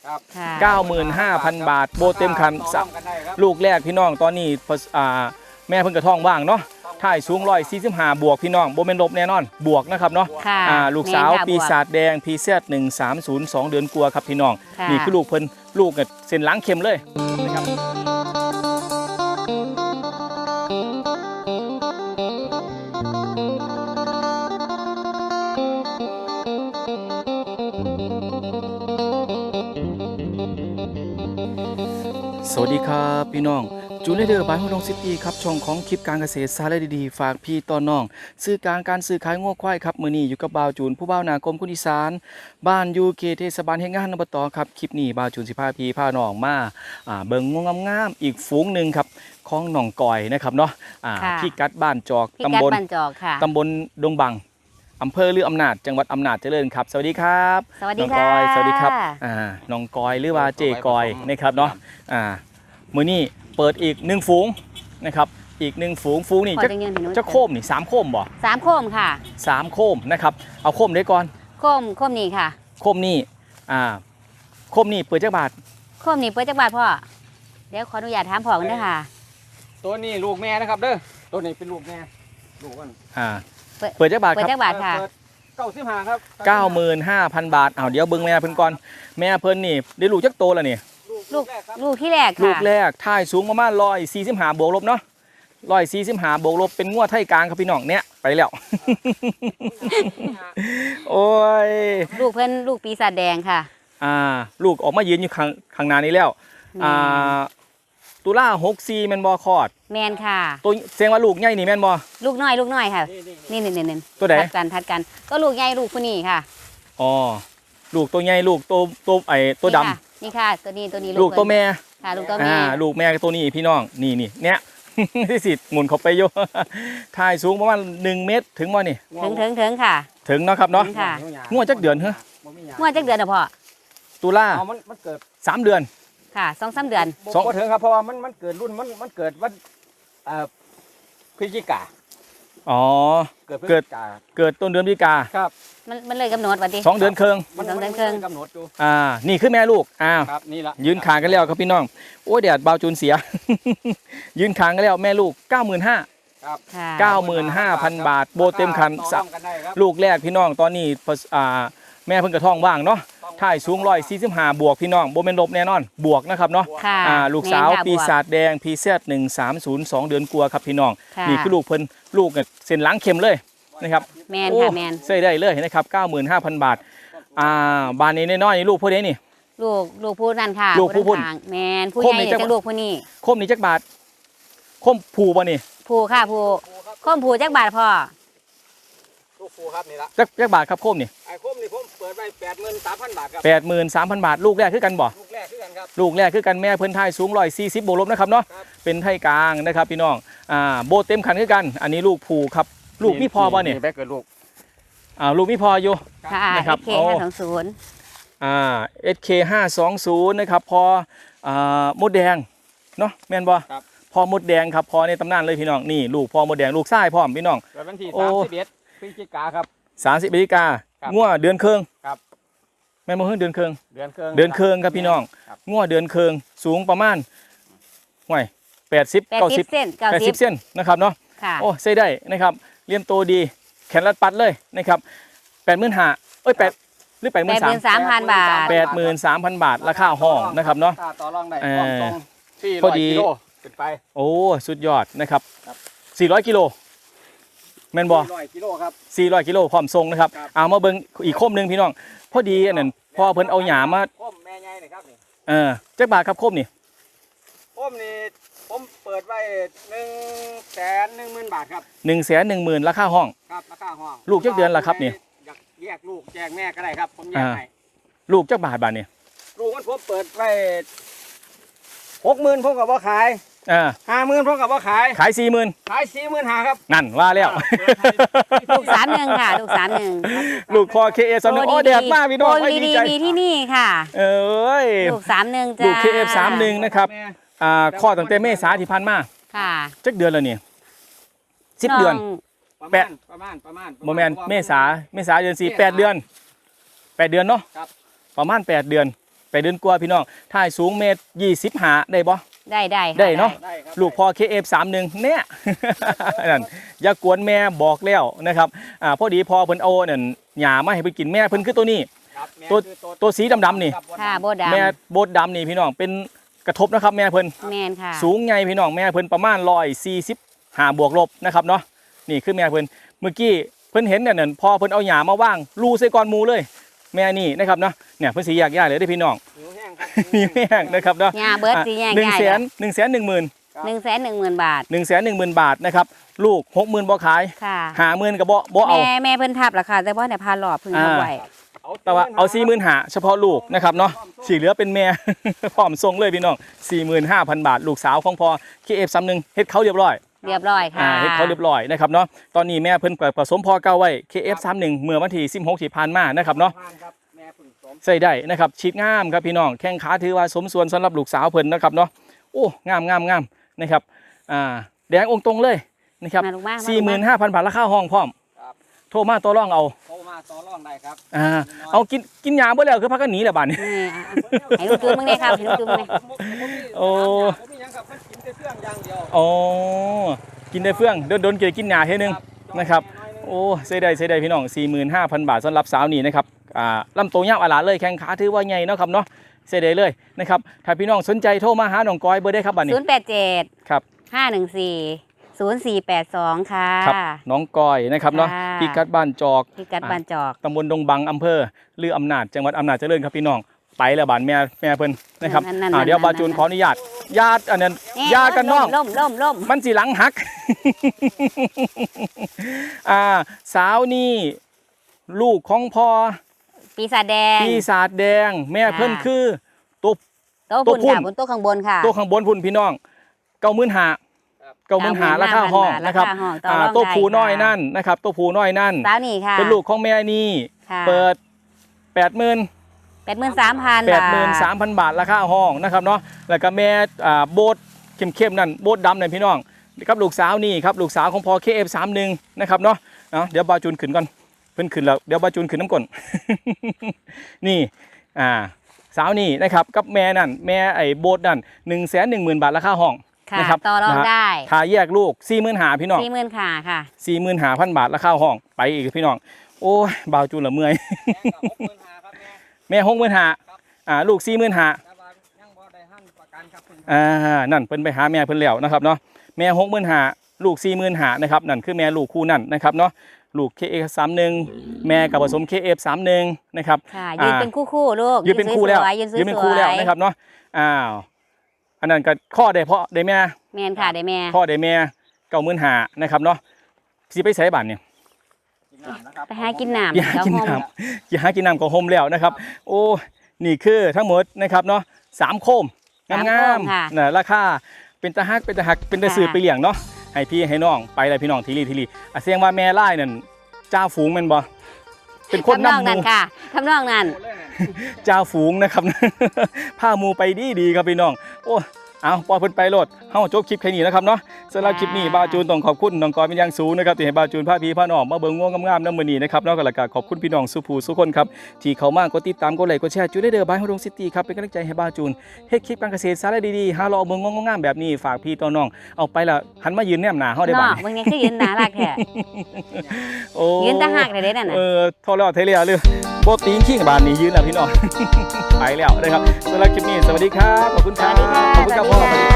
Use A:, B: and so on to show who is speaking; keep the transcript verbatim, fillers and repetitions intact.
A: เก้าหมื่นห้าพันบาทโบเต็มคันลูกแรกพี่น้องตอนนี้แม่เพิ่งกระท้องว่างเนาะถ่ายสูงร้อยสี่สิบห้าบวกพี่น้องโบเมนลบแน่นอนบวกนะครับเนาะลูกสาวปีศาจแดงพีเซตหนึ่งสามศูนย์สองเดือนกลัวครับพี่น้องนี่คือลูกเพิ่นลูกกับเส้นล้างเค็มเลยนะครับสวัสดีครับพี่น้องจูเลเดอร์บายฮอดงซิตี้ครับช่องของคลิปการเกษตรสาระดีๆฝากพี่ต้อนน้องซื้อกลางการซื้อขายงัวควายครับมื้อนี้อยู่กับบ่าวจูนผู้บ่าวนากรมคนอีสานบ้านยูเคเทศบาลแห่งงานอบตครับคลิปนี้บ่าวจูนสิพาพี่พาน้องมาอ่าเบิ่งงัวงามๆอีกฝูงหนึ่งครับของหนองก่อยนะครับเนาะอ่าพี่กัดบ้านจอกตำบลตำบลดงบังอำเภอลืออำนาจจังหวัดอำนาจเจริญครับสวัสดีครับ
B: สวัสดีค่ะ
A: สวัสดีครับอ่าน้องกอยหรือว่าเจกอยนะครับเนาะอ่ามื้อนี้เปิดอีกหนึ่งฝูงนะครับอีกหนึ่งฝูงฝูงนี่จะจะโคมนี่สามโคมบ่
B: สามโคมค่ะ
A: สามโคมนะครับเอาโคมได้ก่อน
B: โคมโคมนี่ค่ะ
A: โคมนี่อ่าโคมนี่เปิดจักบาท
B: โคมนี่เปิดจักบาทพ่อเดี๋ยวขออนุญาตถามพ่อกันด้วยค่ะ
C: ตัวนี้ลูกแม่นะครับเด้อตัวนี้เป็นลูกแม่ลูกมัน
A: อ่าเปิดจักบาทครับ
B: เปิดจักบาทค่ะ
C: เก้าสิบห้าครับ
A: เก้าหมื่นห้าพันบาทเอาเดี๋ยวเบิ่งแม่เพิ่นก่อนแม่เพิ่นนี่ได้ลูกจักโตแล้วนี่
B: ลูกลูกที่แรกค่ะ
A: ลูกแรกท่ายสูงประมาณร้อยสี่สิบห้าบวกลบเนาะร้อยสี่สิบห้าบวกลบเป็นงวดไทยกลางครับพี่น้องเนี้ยไปแล้วโอ้ย
B: ลูกเพิ่นลูกปีศาจแดงค่ะ
A: อ่าลูกออกมายืนอยู่ข้างข้างหน้านี้แล้วอ่าตุลาหกสี่แมนบอคอด
B: แมนค่ะ
A: ตัวเสียงว่าลูกใหญ่นี่แมนบอ
B: ลูกน้อยลูกน้อยค่ะนี่นี่นี่
A: ตัวไหน
B: ทัดกันทัดกันก็ลูกใหญ่ลูกผู้นี้ค่ะ
A: อ๋อลูกตัวใหญ่ลูกตัวตัวไอตัวด
B: ำนี่ค่ะตัวนี้ตัวนี้
A: ลูกตัวแม่
B: ค่ะลูกตัวแม่
A: ลูกแม่ตัวนี้พี่น้องนี่นี่เนี้ยที่สิหมุนเข้าไปโยถ่ายสูงประมาณหนึ่งเมตรถึงว่านี่
B: ถึงถึงถึงค่ะ
A: ถึงเนาะครับเนาะงวดจักเดือนเหรอ
B: งวดจักเดือนนะพ่อ
A: ตุลา
C: มันเกิด
A: สามเดือน
B: ค่ะสองสามเดือน
C: สองถึงครับเพราะว่ามันมันเกิดรุ่นมันมันเกิดวันเอ่อพฤศจิกา
A: อ๋อเกิดเกิดเกิดต้นเดือนพฤศจิกา
C: ครับ
B: มันมันเลยกำหนดวันที่
A: สองเดือนครึ่ง
B: สองเดือนครึ่ง
C: กำหนดดู
A: อ่านี่คือแม่ลูกอ้าว
C: ครับนี่ละ
A: ยืนขางกันแล้วครับพี่น้องโอ้ยแดดเบาจูนเสียยืนขางกันแล้วแม่ลูกเก้าหมื่นห้า
C: ครับ
A: เก้าหมื่นห้าพันบาทโบเต็มคันลูกแรกพี่น้องตอนนี้อ่าแม่เพิ่งกระท้องว่างเนาะถ่ายสูงร้อยสี่สิบห้าบวกพี่น้องโบเมนลบแน่นอนบวกนะครับเนาะอ่าลูกสาวปีศาจแดงพีเซตหนึ่งสามศูนย์สองเดือนกลัวครับพี่น้องนี่คือลูกเพิ่นลูกเส้นล้างเค็มเลยนะครับ
B: แมนค่ะแมน
A: ใส่ได้เลยนะครับเก้าหมื่นห้าพันบาทอ่าบ้านนี้น้อยๆนี่ลูกผู้ใดนี่
B: ลูกลูกผู้นั่นค่ะ
A: ลูกผู้พุ่น
B: แมนผู้ใหญ่จะลูกผู้นี้
A: คมนี่จักบาทคมผูบ่นี่
B: ผูค่ะผูคมผูจักบาทพ่อ
C: ลูกผูครับนี่ละ
A: จักจักบาทครับคมนี่
C: ไอ้คมนี่ผมเปิดไปแปดหมื่นสามพันบาทครับ
A: แปดหมื่นสามพันบาทลูกแรกคือกันบ่
C: ลูกแรกคือกันครับ
A: ลูกแรกคือกันแม่เพิ่นไทยสูงร้อยสี่สิบบวกลบนะครับเนาะเป็นไทยกลางนะครับพี่น้องอ่าโบเต็มคันคือกันอันนี้ลูกผูครับลูกมีพอบ่เนี่ย
C: แม่เกิดลูก
A: อ่าลูกมีพออยู่
B: นะครับเอสเคห้าสองศูนย์
A: อ่าเอสเคห้าสองศูนย์นะครับพออ่ามดแดงเนาะแม่นบ่พอมดแดงครับพอในตำนานเลยพี่น้องนี่ลูกพอมดแดงลูกไส้พร้อมพี่น้อง
C: วันที่สามสิบเอ็ดพฤศจิกาครับ
A: สามสิบพฤศจิกางัวเดือนเคือง
C: ครับ
A: แม่โมเฮิร์เดือนเคือง
C: เดือนเคือง
A: เดือนเคืองครับพี่น้องงัวเดือนเคืองสูงประมาณห่วยแปดสิบเก้าสิบแปดสิบเส้นนะครับเนาะโอ้ใส่ได้นะครับเลี้ยงโตดีแขนรัดปัดเลยนะครับแปดหมื่นห้าเอ้ยแปดหรือแปดหมื่น
B: สามพันบาท
A: แปดหมื่นสามพันบาทราคาห้องนะครับเนาะ
C: ต่อรองได้
A: พอดี
C: ไป
A: โอ้สุดยอดนะครับสี่ร้อยกิโลแมนบอ
C: สี่ร้อยกิโลครับ
A: สี่ร้อยกิโลพร้อมทรงนะครับเอามาเบิ้งอีกโคมหนึ่งพี่น้องพอดีอันนั้นพอเพิ่นเอาหยามา
C: โคมแม่ใหญ่เลยครับนี่
A: เออจักบาทครับโคมนี่
C: โคมนี่ผมเปิดไว้หนึ่งแสนหนึ่งหมื่นบาทครับ
A: หนึ่งแสนหนึ่งหมื่นราคาห้อง
C: ครับราคาห้อง
A: ลูกจักเดือนละครับนี่
C: อยากแยกลูกแยกแม่ก็ได้ครับผมแยกให้
A: ลูกจักบาทบาทนี่
C: ลูกมันผมเปิดไว้หกหมื่นผมกับว่าขาย
A: อ่า
C: ห้าหมื่นพวกกับว่าขาย
A: ขายสี่หมื่น
C: ขายสี่หมื่นหาครับ
A: นั่นว่าแล้ว
B: ลูกสามหนึ่งค่ะลูกสามหนึ่ง
A: ลูกคอเคเอฟสามหนึ่งโอ้แดดมากพี่น้อง
B: ไม่ดีใจมีที่นี่ค่ะ
A: เอ้ย
B: ลูกสามหนึ่งจ้า
A: ลูกเคเอฟสามหนึ่งนะครับอ่าข้อตั้งแต่เมษาที่ผ่านมา
B: ค่ะ
A: จักเดือนแล้วเนี่ยสิบเดือน
C: แปดประมาณประมาณ
A: โมเมนต์เมษาเมษาเดือนสี่แปดเดือนแปดเดือนเนาะประมาณแปดเดือนแปเดือนกว่าพี่น้องถ่ายสูงเมตรยี่สิบห้าได้บ่
B: ได้ได้ค่ะ
A: ได้เนาะ
C: ได้ครับ
A: ลูกพอ เค เอฟ สามสิบเอ็ด เนี่ย นั่นอย่ากวนแม่บอกแล้วนะครับอ่าพอดีพอเพิ่นเอานั่นหญ้ามาให้เพิ่นกินแม่เพิ่นคือตัวนี้
C: ครับแม่
A: ตัว
C: คือ
A: ตัวสีดำๆนี่
C: ครับ
B: ค่ะโบดำ
A: แม่โบดดำนี่พี่น้องเป็นกระทบนะครับแม่เพิ่น
B: แมนค่ะ
A: สูงใหญ่พี่น้องแม่เพิ่นประมาณร้อยสี่สิบห้าบวกลบนะครับเนาะนี่คือแม่เพิ่นเมื่อกี้เพิ่นเห็นเนี่ยนั่นพอเพิ่นเอาหญ้ามาว่างรูใส่ก้อนหมูเลย แม่นี่นะครับเนาะเนี่ยเพิ่นสิแยกย้ายเลยได้อพี่น้อง
C: หิวแห้งครับ
A: มีแม่งนะครับเนาะ
B: หญ้าเบิดสิแยก
A: หนึ่ง
B: ย้าย
A: แสนหนึ่งแสนหนึ่งหมื่น
B: หนึ่งแสนหนึ่งหมื่นบาท
A: หนึ่งแสนหนึ่งหมื่นบาทนะครับลูกหกหมื่นบ่ขาย
B: ค่ะ
A: หาหมื่นกับบ่บ่เอา
B: แม่แม่เพิ่นทับราคาแต่ว่าเนี่ยพาหลอดเพิ่งทับไว้
A: แต่ว่าเอาสี่หมื่นหาเฉพาะลูกนะครับเนาะสีเหลือเป็นแม่ พร้อมส่งเลยพี่น้องสี่หมื่นห้าพันบาทลูกสาวของพอ เค เอฟ สามสิบเอ็ด เฮ็ดเขาเรียบร้อย
B: เรียบร้อยค่ะ
A: อ่าเฮ็ดเขาเรียบร้อยนะครับเนาะตอนนี้แม่เพิ่นผสมพอเก่าไว้ เค เอฟ สามสิบเอ็ด เมื่อวันที่สิบหกที่ผ่านมานะครับเนาะ
C: ครับแม่ผึ่งสม
A: ใส่ได้นะครับฉีดงามครับพี่น้องแข้งขาถือว่าสมส่วนสำหรับลูกสาวเพิ่นนะครับเนาะโอ้งามงามงามนะครับอ่าแดงองค์ตรงเลยนะครับ
B: มาลูกมามาลูกมา
A: สี่หมื่นห้าพันบาทราคาห้องพร้อม
C: ครับ
A: โทรมาต่อรองเอา
C: โทรมาต่อรองได้ครับ
A: อ่าเอากินกินยาบ่แล้วคือพักกันหนีแหละบาดนี้
B: นี่อ่ะให้ลูกจูนมึงเนี่ยครับให้ลูกจูนมึงเนี่ย
A: โอ้
C: ผมมีหยังครับมันกินแต่เครื่องอย่างเดียว
A: อ๋อกินได้เฟื่องโดนโดนเกี่ยวกินยาเท่นึง นะครับ โอ้เสียดายเสียดายพี่น้อง สี่หมื่นห้าพัน บาทสำหรับสาวนี่นะครับอ่าลำตัวยาวอาหลาเลยแข้งขาถือว่าใหญ่เนาะครับเนาะเสียดายเลยนะครับถ้าพี่น้องสนใจโทรมาหาน้องก้อยเบอร์ได้ครับบัดนี้
B: ศูนย์แปดเจ็ด
A: ครับ
B: ห้าหนึ่งสี่ศูนย์สี่แปดสองค่ะ
A: ครับน้องก้อยนะครับเนาะ
B: ค่ะ
A: พิกัดบ้านจอก
B: พิกัดบานจอก
A: ตำบลดงบังอำเภอลืออำนาจจังหวัดอำนาจเจริญครับพี่น้องไปแล้วบ้านแม่แม่เพิ่นนะครับ
B: นั่นๆๆ
A: อ่าเดี๋ยวบาจูนขออนุญาตญาติอันนั้นญาติกันน้อง
B: ล่มล่มล่ม
A: มันสิหลังหัก อ่าสาวนี่ลูกของพ่อ
B: ปีศาจแดง
A: ปีศาจแดง แม่เพิ่นคือตัว
B: โต๊ะ
A: ตัว
B: พุ่น
A: พุ่น
B: ค่ะบนโต๊ะข้างบนค่ะ
A: ตัวข้างบนพุ่นพี่น้องเก้าหมื่นหาเก้าหมื่นหาราคาห้องนะครับ
B: าห้องต่อ
A: อ่าร
B: อง
A: ตัว
B: ได้
A: ผูน้อย
B: ค่ะ
A: นั่นนะครับตัวผูน้อยนั่น
B: สาวนี่ค่ะ
A: เป็นลูกของแม่นี่
B: ค่ะ
A: เปิดแปดหมื่น
B: แปดหมื่นสามพัน
A: แปดหมื่นสามพันบาทราคาห้องนะครับเนาะแล้วก็แม่อ่าโบดเข้มๆนั่นโบดดำนั่นพี่น้องครับลูกสาวนี่ครับลูกสาวของพอ เค เอฟ สามสิบเอ็ด นะครับเนาะเนาะเดี๋ยวบาจูนขึ้นก่อนเพิ่นขึ้นแล้วเดี๋ยวบาจูนขึ้นน้ำก่อน นี่อ่าสาวนี่นะครับกับแม่นั่นแม่ไอ้โบดนั่นหนึ่งแสนหนึ่งหมื่นบาทราคาห้อง
B: ค่ะ
A: นะครับ
B: ต่อรอง
A: นะฮะ
B: ได้
A: ถ้าแยกลูกสี่หมื่นหาพี่น้อง
B: สี่หมื่นค่ะค่ะ
A: สี่หมื่นหาพันบาทราคาห้องไปอีกพี่น้องโอ้ยบาวจูนละเมื่อย
C: แม่กับหกหมื่นห้าครับแม่
A: แม่หกหมื่นหาอ่าลูกสี่หมื่นหา
C: แต่ว่ายังบ่ได้หั่นประกันครับเพิ่น
A: อ่านั่นเพิ่นไปหาแม่เพิ่นแล้วนะครับเนาะแม่หกหมื่นหาลูกสี่หมื่นหานะครับนั่นคือแม่ลูกคู่นั่นนะครับเนาะลูก เค เอฟ สามสิบเอ็ด แม่กับผสม เค เอฟ สามสิบเอ็ด นะครับ
B: ค่ะยืนเป็นคู่คู่ๆลูก
A: ยืนเป็นคู่แล้ว
B: สวยๆยืนสวย
A: ยืนเป็นคู่แล้วนะครับเนาะอ้าวอันนั้นก็ข้อได้เพราะได้แม่
B: แมนค่ะได้แม่
A: ข้อได้แม่เก้าหมื่นหานะครับเนาะสิไปใส่บ้านเนี่ย
C: กินน้ำนะครับ
B: ไปหากินน้ำ
A: อย่าหากิน
B: เดี๋ยว
A: น้ำอย่าหากินน้ำของโฮมแล้วนะครับ โอ้นี่คือทั้งหมดนะครับเนาะสามโคมงาม
B: สามโคมค่ะ
A: ๆนะราคาเป็นตะฮักเป็นตะฮักเป็นตะสือ
B: ค่ะ
A: ไปเลี้ยงเนาะให้พี่ให้น้องไปเลยพี่น้องทีรีทีรีอ่ะเสียงว่าแม่ไล่นั่นเจ้าฝูงแมันบ่เป็นคน
B: ทำนอง
A: นำห
B: นั้น
A: มู
B: ค่ะทำนองนั้น
C: โอ้เลยนั่น
A: เจ้าฝูงนะครับ พาหมูไปดีดีๆครับพี่น้องโอ้เอาปล่อยเพิ่นไปโลดเฮาจบคลิปแค่นี้นะครับเนาะสำหรับคลิปนี้บาวจูนต้องขอบคุณน้องกอยเป็นอย่างสูงนะครับที่ให้บาวจูนพาพี่พาน้องมาเบิ่งง่วงงามๆนำมื้อนี้นะครับแล้วก็แล้วก็ขอบคุณพี่น้องสุภูสุคนครับที่เข้ามากดติดตามกดไลค์กดแชร์จูได้เด้อบายฮอดงซิตี้ครับเป็นกำลังใจให้บาวจูนเฮ็ดคลิปการเกษตรสาระดีๆหาเราเอาเบิ่งง่วงงามๆแบบนี้ฝากพี่ต่อน้องเอาไปละหันมายืนแนมหน้าเฮาได้บ่
B: เนาะบางทีคือยืนหนารักแท้
A: โอ้
B: ยืนตะหักเลยเด้นั่นน่ะ
A: เออทอแล้วเทเลียเลยโบตีนขิงบานนี้ยืนแล้วพี่น้อง ไปแล้วนะครับสำหรับคลิปนี้สวัสดีครับขอบคุณครับ
B: สวัสดีค่ะ
A: ขอบคุณครับ
B: สวัสดี
A: พ่อ
B: ค่ะ